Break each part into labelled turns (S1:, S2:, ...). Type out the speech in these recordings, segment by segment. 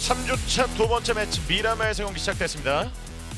S1: 3주차 두 번째 매치 미라마에서 경기 시작됐습니다.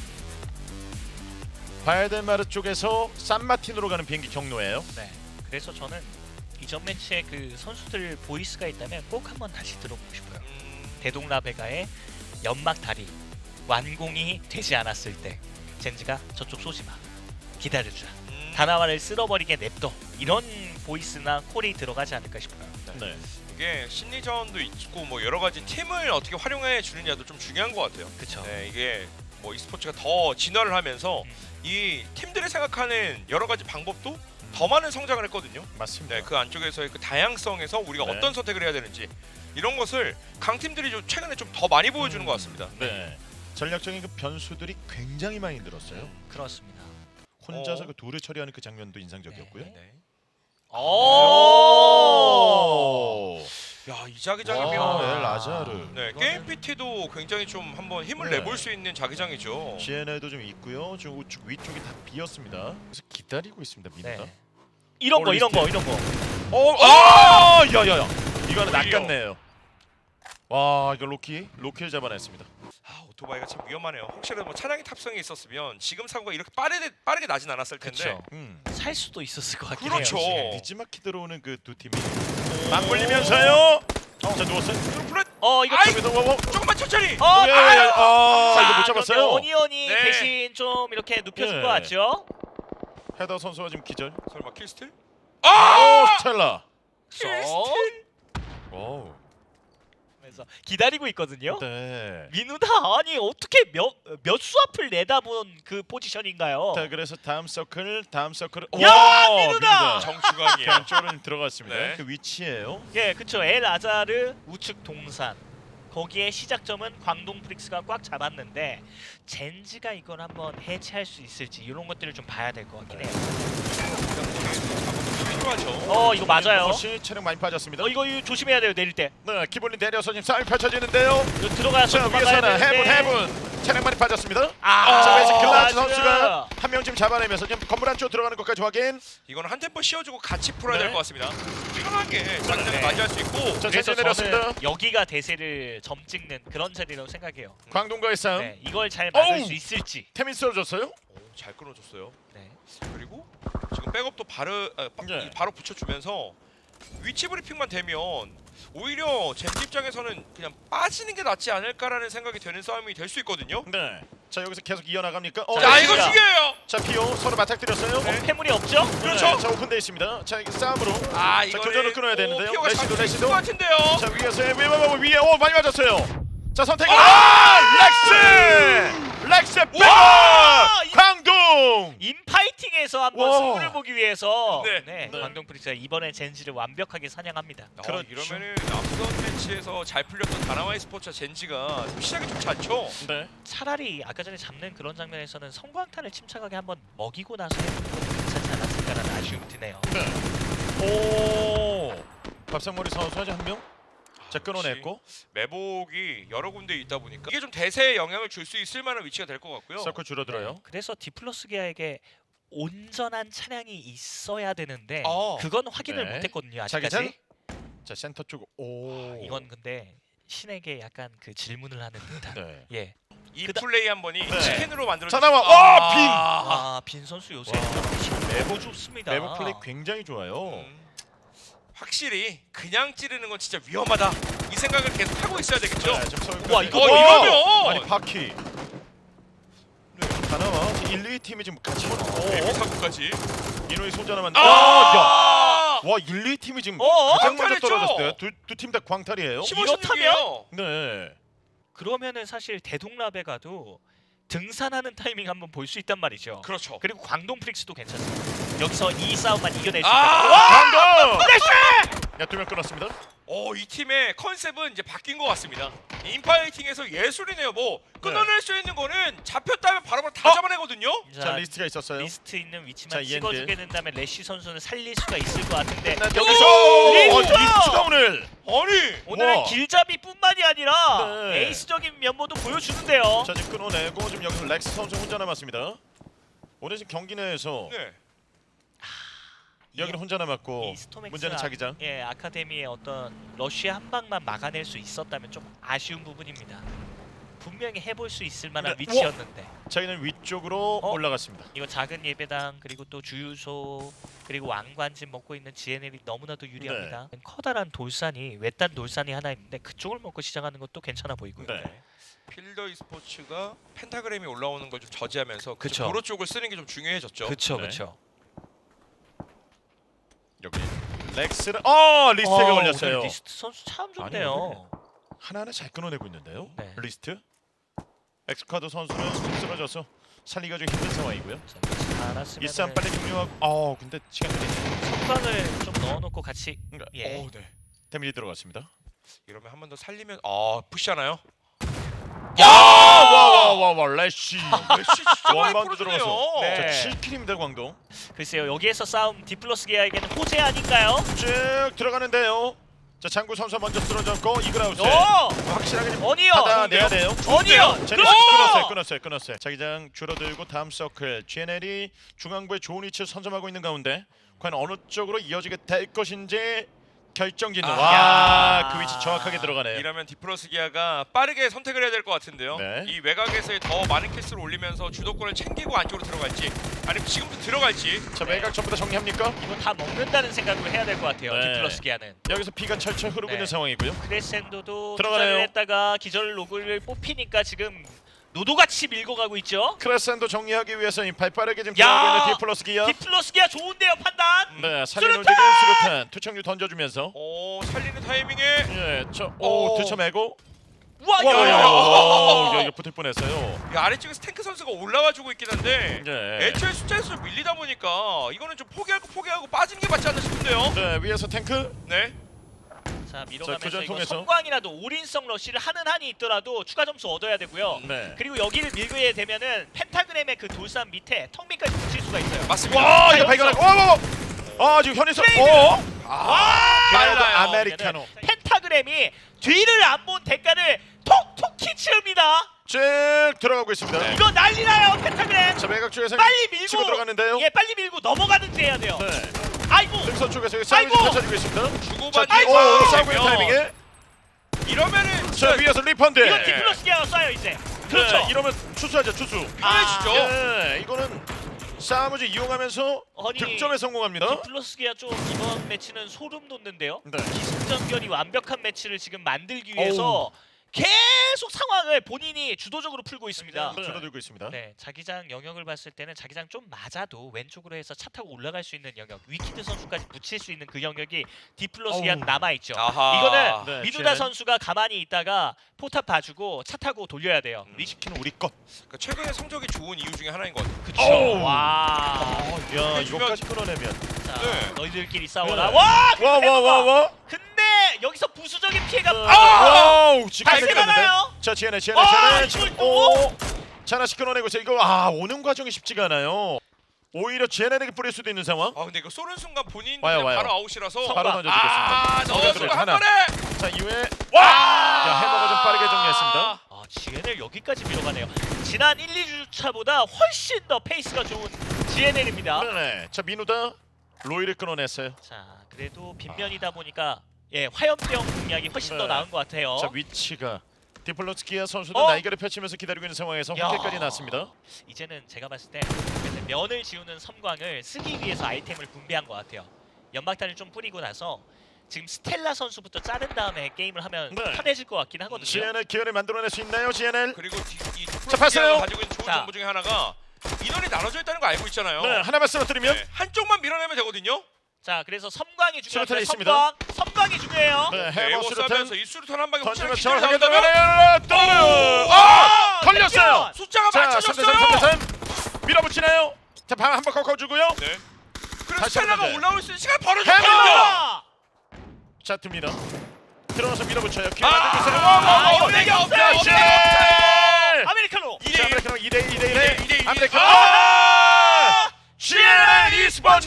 S1: 바야델마르 쪽에서 산마틴으로 가는 비행기 경로예요.
S2: 네. 그래서 저는 이전 매치에 그 선수들 보이스가 있다면 꼭 한번 다시 들어보고 싶어요. 대동라베가의 연막 다리 완공이 되지 않았을 때 젠지가 저쪽 쏘지 마. 기다려주자. 다나와를 쓸어버리게 냅둬. 이런 보이스나 콜이 들어가지 않을까 싶어요.
S1: 네.
S3: 이게 심리전도 있고 뭐 여러 가지 팀을 어떻게 활용해 주느냐도 좀 중요한 것 같아요.
S2: 그렇죠.
S3: 네, 이게 뭐 e스포츠가 더 진화를 하면서 이 팀들이 생각하는 여러 가지 방법도 더 많은 성장을 했거든요.
S1: 맞습니다.
S3: 네, 그 안쪽에서의 그 다양성에서 우리가
S1: 네.
S3: 어떤 선택을 해야 되는지 이런 것을 강팀들이 좀 최근에 좀 더 많이 보여주는 것 같습니다.
S1: 네. 전략적인 그 변수들이 굉장히 많이 늘었어요.
S2: 그렇습니다.
S1: 혼자서 그 둘을 처리하는 그 장면도 인상적이었고요.
S3: 네.
S2: 오!
S3: 야, 이 자기장이면
S1: 네, 라자르.
S3: 네, 게임 PT도 굉장히 좀 한번 힘을
S1: 네.
S3: 내볼 수 있는 자기장이죠.
S1: GNL도 좀 있고요. 지금 우측 위쪽이 다 비었습니다. 그래서 기다리고 있습니다. 미드가.
S2: 네. 이런 거.
S1: 야야야. 이거는 낚았네요. 와, 이거 로키를 잡아냈습니다.
S3: 아, 오토바이가 참 위험하네요. 혹시라도 뭐 차량이 탑승이 있었으면 지금 사고가 이렇게 빠르게 나진 않았을 텐데.
S2: 그쵸.
S1: 음.
S2: 살 수도 있었을 것 같긴
S3: 그렇죠.
S2: 해요.
S1: 니즈마키 들어오는 그 두 팀이 맞물리면서요. 자, 누웠어요.
S3: 플랫.
S2: 이거
S3: 아이!
S1: 저기서 뭐
S3: 조금만 천천히.
S1: 이거 못 잡았어요.
S2: 그런데 오니언이
S3: 네.
S2: 대신 좀 이렇게 눕혀준
S1: 네.
S2: 것 같죠?
S1: 헤더 선수가 지금 기절.
S3: 설마 킬스틸?
S1: 오,
S3: 아!
S1: 스텔라.
S3: 킬스틸?
S1: 오.
S2: 그래서 기다리고 있거든요.
S1: 네.
S2: 민우다 아니 어떻게 몇 수 앞을 내다본 그 포지션인가요?
S1: 자, 그래서 다음 서클.
S2: 야, 민우다!
S3: 정중앙이에요.
S1: 안쪽으로 들어갔습니다.
S3: 네.
S1: 그 위치예요.
S2: 예, 그쵸. 엘 아자르 우측 동산. 거기에 시작점은 광동 프릭스가 꽉 잡았는데 젠지가 이걸 한번 해체할 수 있을지 이런 것들을 좀 봐야 될 것 같긴 해요.
S3: 필요하죠.
S2: 이거 맞아요.
S1: 혹시 체력 많이 빠졌습니다.
S2: 이거 조심해야 돼요. 내릴 때.
S1: 네, 기본이 내려서 지금 싸움이 펼쳐지는데요.
S2: 이거 들어가서
S1: 자,
S2: 도망가야
S1: 위에서는
S2: 되는데.
S1: 해븐. 체력 많이 빠졌습니다.
S2: 아,
S1: 자, 그래서 글라즈
S2: 맞아요.
S1: 선수가 한 명 지금 잡아내면서 지금 건물 안쪽으로 들어가는 것까지 확인.
S3: 이거는 한 템포 씌워주고 같이 풀어야
S1: 네.
S3: 될 것 같습니다. 편하게 자기장을
S2: 네.
S3: 맞이할 수 있고.
S1: 자,
S2: 그래서
S1: 젠지 내렸습니다.
S2: 저는 여기가 대세를 점 찍는 그런 자리라고 생각해요.
S1: 광동과의 싸움.
S2: 네, 이걸 잘 막을
S1: 어우!
S2: 수 있을지.
S1: 태민 쓰러졌어요.
S3: 오, 잘 끊어줬어요.
S2: 네.
S3: 그리고 지금 백업도
S1: 네.
S3: 바로 붙여주면서 위치 브리핑만 되면 오히려 젠지 입장에서는 그냥 빠지는 게 낫지 않을까라는 생각이 되는 싸움이 될 수 있거든요.
S1: 네. 자, 여기서 계속 이어나갑니까?
S3: 자,
S2: 네.
S3: 이거
S2: 진짜.
S3: 중요해요.
S1: 자, 피오 서로 맞닥뜨렸어요.
S3: 네.
S2: 패물이 없죠?
S3: 그렇죠.
S1: 네, 자, 오픈돼 있습니다. 자, 이게 싸움으로.
S3: 아,
S1: 자,
S3: 이거
S1: 교전을 끊어야 되는데요.
S3: 피오가
S1: 레시도,
S3: 잡힐
S1: 레시도.
S3: 것 같은데요.
S1: 자, 위에서 위에 많이 맞았어요. 자, 선택. 렉스 백업. 광동.
S2: 인파이팅에서 한번
S1: 와.
S2: 승부를 보기 위해서
S3: 네.
S1: 네.
S2: 광동 프릭스가 이번에 젠지를 완벽하게 사냥합니다.
S1: 그렇죠.
S3: 이러면은 앞선 매치에서 잘 풀렸던 다나와이 스포츠와 젠지가 좀 시작이 좀 좋죠.
S1: 네.
S2: 차라리 아까 전에 잡는 그런 장면에서는 성광탄을 침착하게 한번 먹이고 나서 해보는 것도 괜찮지 않았을까라는 아쉬움이 드네요.
S1: 오. 밥상머리 선수 아직 한 명. 자, 끊어냈고.
S3: 매복이 여러 군데 있다 보니까 이게 좀 대세에 영향을 줄 수 있을 만한 위치가 될 것 같고요.
S1: 서클 줄어들어요.
S2: 그래서 디플러스 기아에게 온전한 차량이 있어야 되는데
S3: 어.
S2: 그건 확인을
S1: 네.
S2: 못했거든요.
S1: 자기장.
S2: 아직까지.
S1: 자, 센터 쪽. 오.
S2: 이건 근데 신에게 약간 그 질문을 하는 듯한.
S1: 네.
S2: 예.
S3: 이
S2: 그다-
S3: 플레이 한 번이
S1: 네.
S3: 치킨으로 만들어.
S1: 자, 나와. 와, 빈.
S2: 빈 선수 요새
S1: 와.
S2: 매우 좋습니다.
S1: 매복 플레이 굉장히 좋아요.
S3: 확실히 그냥 찌르는 건 진짜 위험하다. 이 생각을 계속 하고 있어야 되겠죠.
S1: 자, 지금 서울까지.
S2: 우와, 이거
S3: 이러면!
S1: 아니, 바퀴. 네, 다 나와. 1, 2 팀이 지금 같이 오는
S3: 데뷔 사고까지.
S1: 이노이 손전하면
S3: 아!
S1: 와, 1, 2 팀이 지금
S2: 어?
S1: 가장 먼저
S3: 광탈했죠?
S1: 떨어졌어요. 두 팀 다 광탈이에요.
S3: 15,
S2: 이렇다면?
S3: 16이에요.
S1: 네.
S2: 그러면은 사실 대동라베가도 등산하는 타이밍 한번 볼 수 있단 말이죠.
S3: 그렇죠.
S2: 그리고 광동 프릭스도 괜찮습니다. 여기서 이 싸움만 이겨낼 수
S3: 아!
S2: 있다.
S1: 광동! 야, 두 명 끊었습니다.
S3: 이 팀의 컨셉은 이제 바뀐 것 같습니다. 인파이팅에서 예술이네요. 뭐 끊어낼 수 있는 거는 잡혔다면 바로바로 다 잡아내거든요.
S1: 자, 리스트가 있었어요.
S2: 리스트 있는 위치만
S1: 자,
S2: 찍어주게 된다면 래쉬 선수는 살릴 수가 있을 것 같은데
S1: 네, 여기서
S2: 리스트!
S1: 리스트가 오늘.
S3: 아니
S2: 오늘은
S1: 와.
S2: 길잡이뿐만이 아니라
S1: 네.
S2: 에이스적인 면모도 보여주는데요.
S1: 자, 지금 끊어내고 지금 여기서 렉스 선수 혼자 남았습니다. 오늘 지금 경기 내에서
S3: 네.
S1: 여기는 혼자 남았고
S2: 이 스톰엑스
S1: 문제는 자기장.
S2: 예, 아카데미의 어떤 러쉬의 한 방만 막아낼 수 있었다면 좀 아쉬운 부분입니다. 분명히 해볼 수 있을 만한
S1: 네.
S2: 위치였는데
S1: 저희는 위쪽으로 올라갔습니다.
S2: 이거 작은 예배당 그리고 또 주유소 그리고 왕관집 먹고 있는 GNL이 너무나도 유리합니다. 커다란 돌산이 외딴 돌산이 하나 있는데 그쪽을 먹고 시작하는 것도 괜찮아 보이고요.
S1: 네.
S3: 필더 e스포츠가 펜타그램이 올라오는 걸 좀 저지하면서
S2: 그쵸.
S3: 도로 쪽을 쓰는 게 좀 중요해졌죠.
S2: 그쵸
S1: 네.
S2: 그쵸.
S1: 여기 렉스를 리스트가 걸렸어요.
S2: 오늘 리스트 선수 참 좋네요.
S1: 하나하나 잘 끊어내고 있는데요.
S2: 네.
S1: 리스트. 엑스카드 선수는 쓰러져서 살리기가 좀 힘든 상황이고요. 이 싸움 빨리 종료하고. 근데 시간 걸리죠.
S2: 선방을 좀 넣어놓고 같이 예.
S1: 네. 데미지 들어갔습니다.
S3: 이러면 한 번 더 살리면 푸시하나요?
S1: 와와와와 래쉬.
S3: 래쉬 진짜 많이
S1: 원바운드 들어가서.
S3: 풀어주네요.
S2: 네.
S1: 자 7킬입니다 광동.
S2: 글쎄요 여기에서 싸움 디플러스 기아에게는 호재 아닌가요?
S1: 쭉 들어가는데요. 자 장구 선수 먼저 쓰러졌고 이글아웃.
S2: 오!
S1: 확실하게 좀
S2: 어니언!
S1: 받아내야 돼요.
S2: 어니언!
S1: 제네시
S2: 그렇죠!
S1: 끊었어요. 자기장 줄어들고 다음 서클. GNL이 중앙부에 좋은 위치를 선점하고 있는 가운데 과연 어느 쪽으로 이어지게 될 것인지 결정짓는. 그 위치 정확하게 들어가네요.
S3: 이러면 디플러스 기아가 빠르게 선택을 해야 될 것 같은데요.
S1: 네.
S3: 이 외곽에서의 더 많은 캐스를 올리면서 주도권을 챙기고 안쪽으로 들어갈지 아니면 지금부터 들어갈지.
S1: 자 외곽 전부 다 정리합니까?
S2: 이거 다 먹는다는 생각으로 해야 될 것 같아요.
S1: 네.
S2: 디플러스 기아는.
S1: 여기서 피가 철철 흐르고
S2: 네.
S1: 있는 상황이고요.
S2: 크레센도도
S1: 들어가네요.
S2: 투자를 했다가 기절 로그를 뽑히니까 지금 노도같이 밀고 가고 있죠.
S1: 크레센도 정리하기 위해서 이 발빠르게 지금
S2: 야!
S1: 들어가고 있는 디플러스 기아.
S2: 디플러스 기아 좋은데요 판단.
S1: 네, 살리는
S2: 수류탄!
S1: 움직임 수류탄 투척류 던져주면서.
S3: 살리는 타이밍에
S1: 예, 들쳐매고.
S2: 우와
S1: 와, 이거 붙을 뻔했어요.
S3: 이 아래쪽에서 탱크 선수가 올라와주고 있긴 한데
S1: 네.
S3: 애초에 숫자에서 밀리다 보니까 이거는 좀 포기하고 빠지는 게 맞지 않나 싶은데요.
S1: 네, 위에서 탱크.
S3: 네.
S2: 자 밀어가면서
S1: 교전
S2: 이거
S1: 통해서.
S2: 성광이라도 올인성 러쉬를 하는 한이 있더라도 추가 점수 얻어야 되고요.
S1: 네.
S2: 그리고 여기를 밀게 되면은 펜타그램의 그 돌산 밑에 턱 밑까지 붙일 수가 있어요.
S3: 맞습니다.
S1: 와, 이거 발견하고. 지금 현희선.
S3: 빨라요.
S1: 아메리카노.
S2: 펜타그램이 뒤를 안 본 대가를 톡톡히 치릅니다.
S1: 쭉 들어가고 있습니다.
S3: 네.
S2: 이거 난리나요 펜타그램.
S1: 자, 외곽 쪽에서
S2: 빨리 밀고
S1: 치고 들어갔는데요.
S2: 예 빨리 밀고 넘어가든지 해야 돼요.
S1: 네.
S2: 아이고
S1: 득선 쪽에서 싸움이
S2: 아이고!
S1: 펼쳐지고 있습니다. 자,
S3: 주고받는
S1: 싸우고 있는 타이밍에.
S3: 이러면은
S1: 자, 위에서 리펀드.
S2: 이거 디플러스 기아가 쏴요 이제. 그렇죠.
S1: 네, 이러면 추수하죠, 추수.
S3: 편해지죠.
S1: 예, 이거는 싸움을 좀 이용하면서
S2: 아니,
S1: 득점에 성공합니다.
S2: 디플러스 기아 좀 이번 매치는 소름 돋는데요.
S1: 네.
S2: 기승전결이 완벽한 매치를 지금 만들기 위해서 계속 상황을 본인이 주도적으로 풀고 있습니다.
S1: 네, 줄어들고 있습니다.
S2: 네, 자기장 영역을 봤을 때는 자기장 좀 맞아도 왼쪽으로 해서 차 타고 올라갈 수 있는 영역, 위키드 선수까지 붙일 수 있는 그 영역이 디플러스 기아 남아 있죠.
S3: 아하.
S2: 이거는
S1: 네,
S2: 미누다
S1: 쟤는-
S2: 선수가 가만히 있다가 포탑 봐주고 차 타고 돌려야 돼요.
S1: 리시키는 우리 것.
S3: 그러니까 최근에 성적이 좋은 이유 중에 하나인 것 같아요.
S2: 그쵸.
S1: 어우.
S2: 와.
S1: 야,
S3: 해주면-
S1: 이거까지 끌어내면.
S2: 자,
S3: 네.
S2: 너희들끼리 싸워라.
S1: 네.
S2: 와!
S1: 와.
S2: 근데 여기서 부수적인 피해가
S1: 와우, 지금
S2: 발생
S1: 생겼는데.
S2: 하나요?
S1: 자, 지혜네.
S2: 아,
S1: 지금
S2: 이걸 또?
S1: 자, 하나씩 끌어내고 있어요. 이거 오는 과정이 쉽지가 않아요. 오히려 지혜네에게 뿌릴 수도 있는 상황.
S3: 근데 이거 쏘는 순간 본인
S1: 와요.
S3: 바로 아웃이라서
S1: 바로 던져주겠습니다.
S3: 넣어주고 한
S1: 하나.
S3: 번에.
S1: 자, 이후에
S3: 와!
S1: 자, 해머가 좀 빠르게 정리했습니다.
S2: GNL 여기까지 밀어가네요. 지난 1, 2주차보다 훨씬 더 페이스가 좋은 GNL입니다.
S1: 네. 자, 민우다 로이를 끊어냈어요.
S2: 자, 그래도 빗면이다 보니까 화염병 공략이 훨씬 더
S1: 네.
S2: 나은 것 같아요.
S1: 자, 위치가 디플러스 기아 선수도
S2: 어?
S1: 날개를 펼치면서 기다리고 있는 상황에서
S2: 야.
S1: 확대까지 났습니다.
S2: 이제는 제가 봤을 때 면을 지우는 섬광을 쓰기 위해서 아이템을 분배한 것 같아요. 연막탄을 좀 뿌리고 나서 지금 스텔라 선수부터 자른 다음에 게임을 하면
S1: 네.
S2: 편해질 것 같긴 하거든요.
S1: GNL 기회를 만들어낼 수 있나요, GNL?
S3: 그리고 이
S1: 자, 봤어요?
S3: 디플로스가 가지고 있는 좋은
S2: 자.
S3: 정보 중에 하나가 인원이 나눠져 있다는 거 알고 있잖아요.
S1: 네, 하나만 쓰러뜨리면
S3: 네, 한쪽만 밀어내면 되거든요.
S2: 자, 그래서 섬광이
S1: 수류탄이
S2: 중요해요.
S1: 있습니다.
S2: 섬광이 중요해요.
S1: 네, 해머 수류탄
S3: 에워싸면서 이 수류탄 한 방에 혹시나
S1: 던지면
S3: 기절이
S1: 정확하게
S3: 나온다면
S1: 들어가요. 걸렸어요.
S3: 숫자가
S1: 자,
S3: 맞춰졌어요.
S1: 3대3 밀어붙이나요? 자, 방 한번 꺾어주고요.
S3: 네. 그래서
S1: 다시
S3: 스텔라가
S1: 한번 더.
S3: 올라올 수 있는 시간
S1: 해머!
S3: 벌어졌거든요.
S2: 아!
S1: 자, 듭니다. 들어가서 밀어붙여요. 기회
S3: 아,
S1: 만들고 있어요.
S3: 연락이 없어요.
S1: 자,
S3: 연락이
S1: GNL!
S2: 아메리카노.
S1: 자, 아메리카노 2대2.
S3: 2대2.
S1: 아메리카노. GNL e스포츠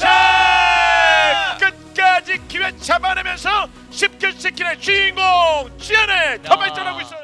S1: 끝까지 기회 잡아내면서 10킬 10킬의 주인공 GNL 더 발전하고 있어요.